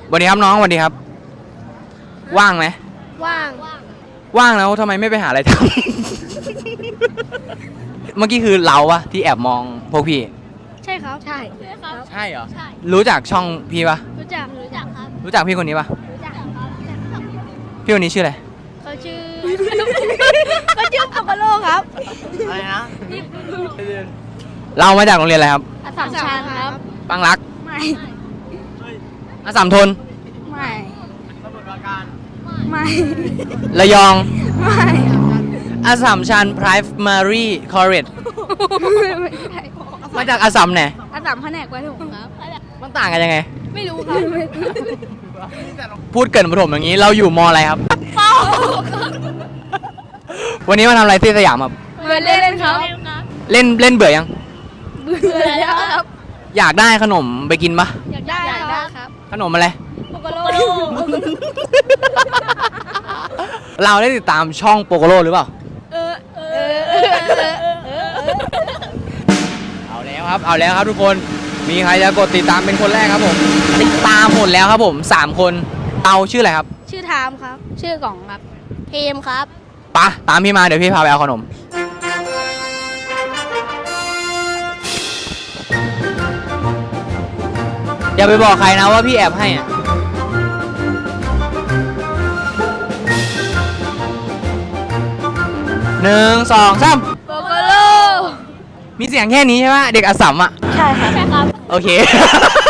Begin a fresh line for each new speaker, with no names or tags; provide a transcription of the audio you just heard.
สวัสดีครับน้องสวัสดีครับ ว่างไหม
ว่าง
ว่างแล้วทำไมไม่ไปหาอะไรทำ เมื่อกี้คือเราอะที่แอบมองพวกพี่
ใช่ครับ ใช่
ใช่เหรอ รู้จักช่องพี่ปะ
รู้จักครับ
รู้จักพี่คนนี้ปะ
รู้จักครับ
พี่คนนี้ชื่ออะไร
เขาชื่อ เขาชื่อปกโลครับ
อะไรนะ เรามาจากโรงเรียนอะไรครับ
อัสสัมชัญครับ
บางรัก
ไม่
อัสสัมทน
ไม่ไม่
ระยอง
ไม่
อัสสัมชัญ Primary College
ไม่ใช่
มาจากอัสสัมไหน
อัสสัมแผนกประถมครับ
มันต่างกันยังไง
ไม่รู้ครับ
พูดเกรินประถมอย่างนี้ เราอยู่มอะไรครับ วันนี้มาทำอะไรที่สยามครับ
เล่นครับ
เล่นเบื่อยัง
เบื่อแล้วครับ
อยากได้ขนมไปกินปะ
อยากได้ครับ
ขนมอะไร
ปกโล
เราได้ติดตามช่องโปโกโลหรือเปล่า เอาแล้วครับ เอาแล้วครับทุกคน มีใครจะกดติดตามเป็นคนแรกครับผม ติดตามหมดแล้วครับผม 3 คนเตาชื่ออะไรครับ
ชื่อไทม์ครับ ชื่อกล่องครับเทมครับ
ปะตามพี่มาเดี๋ยวพี่พาไปเอาขนม อย่าไปบอกใครนะว่าพี่แอบให้อะ1 2 3
โปกโล
มีเสียงแค่นี้ใช่ไหมเด็กอัสสัมอ่ะ
ใช่ครับ
โอเค